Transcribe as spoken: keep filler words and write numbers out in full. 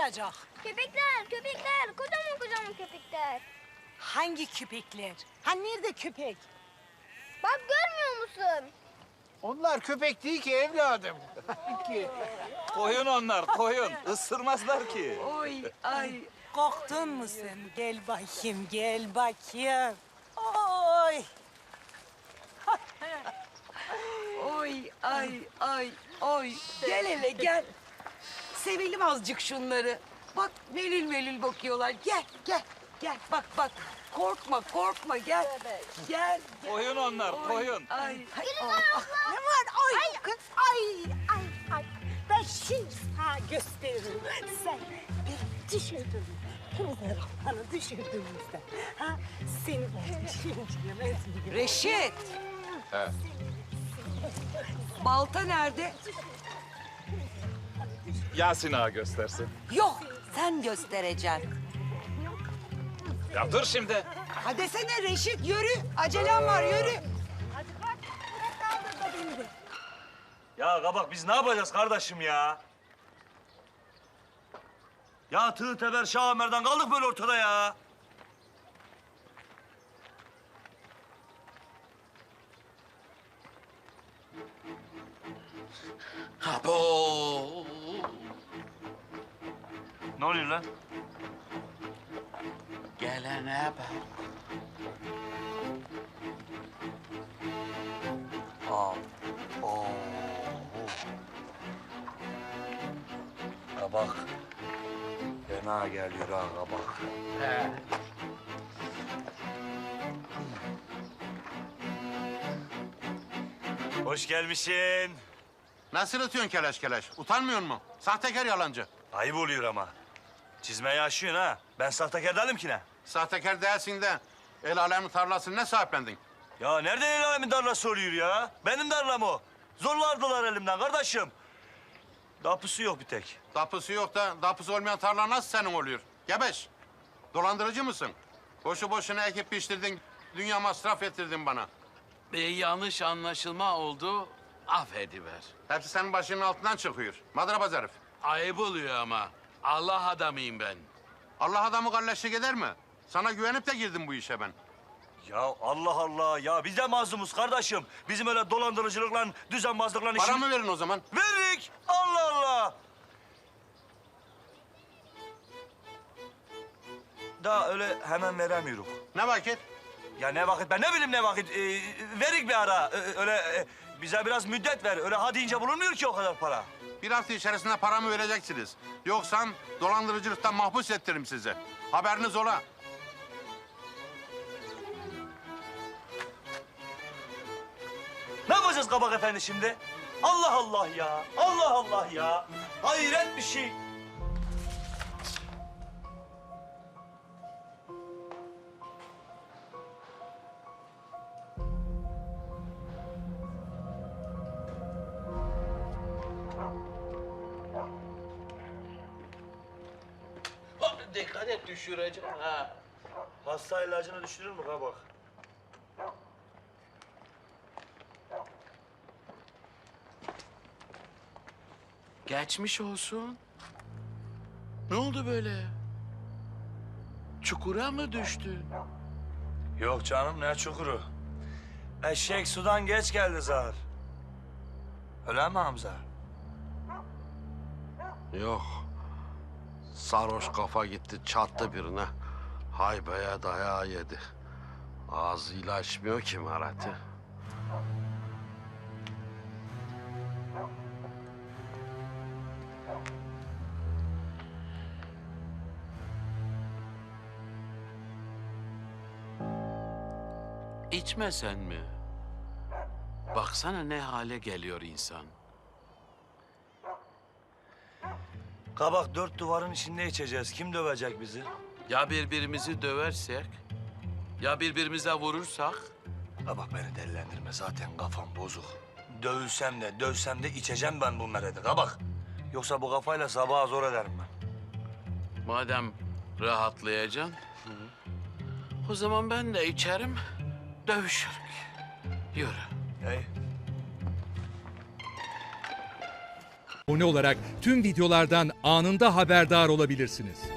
olacak? Köpekler, köpekler. Kocaman kocaman köpekler. Hangi köpekler? Ha nerede köpek? Bak görmüyor musun? Onlar köpek değil ki evladım. Ki. Koyun onlar, koyun. Isırmazlar ki. Oy ay. Korktun mu sen? Gel bakayım, gel bakayım. Oy. Oy ay ay oy. Gel hele gel. Sevelim azıcık şunları. Bak melül melül bakıyorlar. Gel gel gel bak bak. Korkma korkma gel. Gel. Koyun onlar, koyun. Ay. ay. Ne var? Ay, kız, ay, ay, ay. Ben şimdi sana gösteririm. Sen bir düşürdün. Kırmızı rafanı düşürdüğümüzde. Ha? Seni ben şimdi yemez miyim? Reşit. He. Balta nerede? Yasin ağa göstersin. Yok sen göstereceksin. Ya dur şimdi. Hadi desene Reşit yürü. Acelem var yürü. Hadi bak, bırak kaldır da beni de. Ya kabak biz ne yapacağız kardeşim ya? Ya tığ teber Şah Ömer'den kaldık böyle ortada ya. Abo. Ne oluyor lan? Gelene bak. Aa, oo. Kabak. Fena geliyor ha kabak. He. Hoş gelmişsin. Nasıl atıyorsun keleş keleş? Utanmıyor musun? Sahtekar yalancı. Ayıp oluyor ama. Çizmeyi aşıyorsun ha. Ben sahtekar değilim ki ne? Sahtekar değilsin de el alemin tarlasını ne sahiplendin? Ya nereden el alemin tarlası oluyor ya? Benim tarlam o. Zorlardılar elimden kardeşim. Dapusu yok bir tek. Dapusu yok da dapusu olmayan tarla nasıl senin oluyor? Gebeş. Dolandırıcı mısın? Boşu boşuna ekip piştirdin, dünya masraf ettirdin bana. Bir yanlış anlaşılma oldu, affediver. Hepsi senin başının altından çıkıyor. Madrabaz herif. Ayıp oluyor ama. Allah adamıyım ben. Allah adamı kalleşlik eder mi? Sana güvenip de girdim bu işe ben. Ya Allah Allah ya biz de mazlumuz kardeşim. Bizim öyle dolandırıcılıkla, düzenbazlıkla işimiz... Paramı verin o zaman. Verdik. Allah Allah. Daha öyle hemen veremiyoruz. Ne vakit? Ya ne vakit ben ne bileyim ne vakit. Ee, verik bir ara. Ee, öyle e, bize biraz müddet ver. Öyle ha deyince bulunmuyor ki o kadar para. Bir hafta içerisinde paramı vereceksiniz. Yoksa dolandırıcılıktan mahpus ettiririm sizi. Haberiniz ola. Ne yapacağız kabak efendi şimdi? Allah Allah ya. Allah Allah ya. Hayret bir şey. Dikkat et düşüreceğim ha. Hasta ilacını düşürür mü kabak? Geçmiş olsun. Ne oldu böyle? Çukura mı düştün? Yok canım ne çukuru. Eşek sudan geç geldi zar. Öyle mi Hamza? Yok. Sarhoş kafa gitti çattı birine. Haybeye dayağı yedi. Ağzıyla açmıyor ki Marat'ı. İçmesen mi? Baksana ne hale geliyor insan. Kabak dört duvarın içinde içeceğiz. Kim dövecek bizi? Ya birbirimizi döversek? Ya birbirimize vurursak? Kabak beni delilendirme. Zaten kafam bozuk. Dövülsem de dövsem de içeceğim ben bu meredi kabak. Yoksa bu kafayla sabaha zor ederim ben. Madem rahatlayacaksın, o zaman ben de içerim, dövüşürüm. Yürü. Hey. abone olarak tüm videolardan anında haberdar olabilirsiniz.